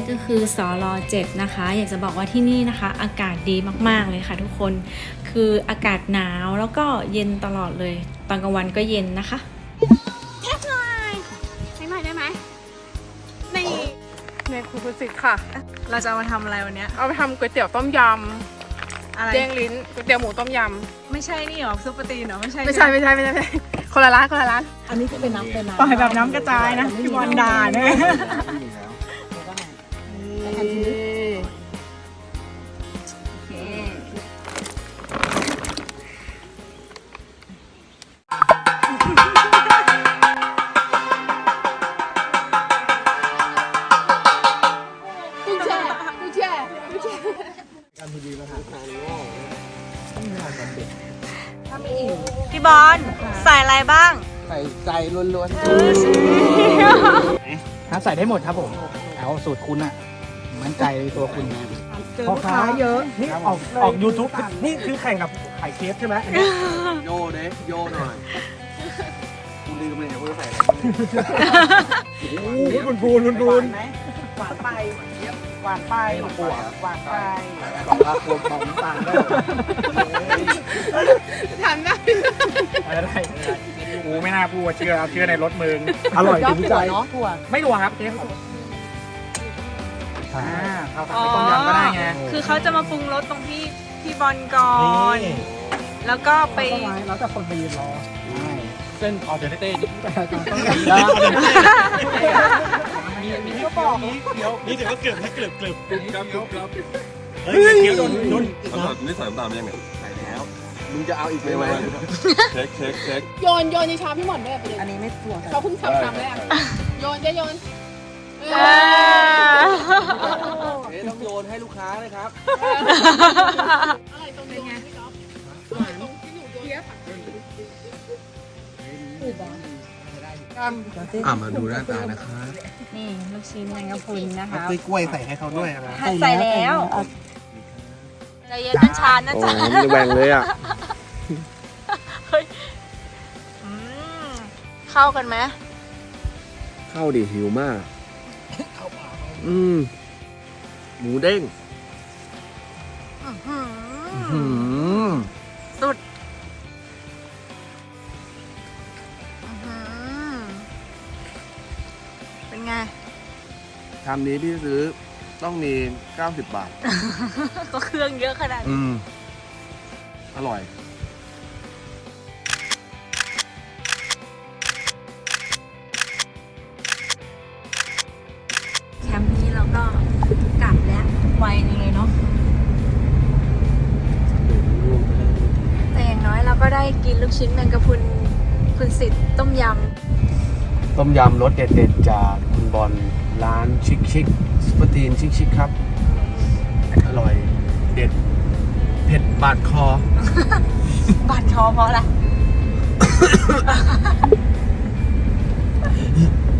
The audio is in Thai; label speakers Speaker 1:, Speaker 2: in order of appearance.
Speaker 1: ก็คือสล7นะคะอยากจะบอกว่าที่นี่นะคะอากาศดีมากๆเลยค่ะทุกคนคืออากาศหนาวแล้วก็เย็นตลอดเลยตอนกลางวันก็เย็นนะคะแท็กหน่อยให้หน่อยได้ไหมนี่
Speaker 2: ในคุณสิทธิ์ค่ะ
Speaker 1: เราจะเอามาทำอะไรวันนี้
Speaker 2: เอาไปทำก๋วยเตี๋ยวต้มย
Speaker 1: อะไร
Speaker 2: ำเด้งลิ้นก๋วยเตี๋ยวหมูต้มย
Speaker 1: ไม่ใช่นี่หรอซุปเปอร์ตีนหรอไม่ใช่
Speaker 2: ำไม่ใช่คนละร้าน
Speaker 3: อันนี้จะเป็นน้ำเป็นน้ำ
Speaker 1: ปล่อยแบบน้ำกระจายนะพี่บอลด่าเนี่ย พี่บอลใส่อะไรบ้าง
Speaker 4: ใส่ใจล้วนๆใส่ได้หมดครับผมเอาสูตรคุณอะมั่นใจตัวคุณนะ
Speaker 3: พ่อค้าเยอะนี่
Speaker 5: ออก YouTube นี่คือแข่งกับไข่เคฟใช่ไหมอันนี้
Speaker 4: โยเด้โยหน่อยคุณลืมเลยเนี่ยคุณใส่อะไร
Speaker 5: โอ้โหพูน
Speaker 3: หวานไปหวานไปหวานไป
Speaker 4: สองอาคมของต่างได้
Speaker 2: ทำได้
Speaker 5: อะไรกูไม่น่าพูดว่าเชื่อในรถมึงอร่อย
Speaker 3: ยอ
Speaker 5: จ
Speaker 3: ด
Speaker 5: ริง
Speaker 3: ถั่
Speaker 5: ใจ
Speaker 3: วเนาะถั่ว
Speaker 5: ไม่รัวครับเจ๊เขาทำเป็นต้มยำก็ได้ไง
Speaker 1: คือเขาจะมาปรุงรสตรงที่พี่บอลก่อนแล้วก็ไป
Speaker 3: แล้วแต่คนไปยืนรอ
Speaker 5: เส้นออเดอร์เต้นี่ก็บอกนี่ถือว่าเกือบเฮ้ยเดี๋ยวโดน
Speaker 6: นี่ใส่น้ำตาลไปยังไง
Speaker 4: ใส่แล้วมึงจะเอาอีกไหม
Speaker 6: เช็ค
Speaker 2: โยนในชามพี่หมอนด้วยประเด็น
Speaker 3: อันนี้ไม่ถั่ว
Speaker 2: เขาเพิ่งทำแรกโยน
Speaker 4: ต้องโยนให้ลูกค้าเลยครับ
Speaker 2: อะไรตรงนี้ไงหวานตรงที่หนูโยน
Speaker 4: มาดูหน้าตานะคะ
Speaker 1: นี่ลูกชิ้นแมงกะพรุนนะคะ
Speaker 4: กล้วยใส่ให้เขาด้วยนะ
Speaker 1: ใส่แล้วใจเย็นเป็นชานนะจ๊ะ
Speaker 4: แบ่งเลยอ่ะ
Speaker 1: อืมเข้ากันไหม
Speaker 4: เข้าดิหิวมากหมูเด้ง
Speaker 1: อื้อหือสุดอื้อหือเป็นไง
Speaker 4: ชามนี้พี่ซื้อต้องมี90 บาท
Speaker 1: ก็เครื่องเยอะขนาดนี้
Speaker 4: อร่อย
Speaker 1: แคมป์นี้เราก็กลับแล้วไวนึงเลยเนาะแต่อย่างน้อยเราก็ได้กินลูกชิ้นแมงกะพรุนคุณสิทธิ์ต้มย
Speaker 4: ต้มยำรสเด็ดๆจากคุณบอลร้านชิคสปาตีนชิคครับ อร่อยเด็ด เผ็ดบาดคอ
Speaker 1: ำบาดคอเพราะอะไร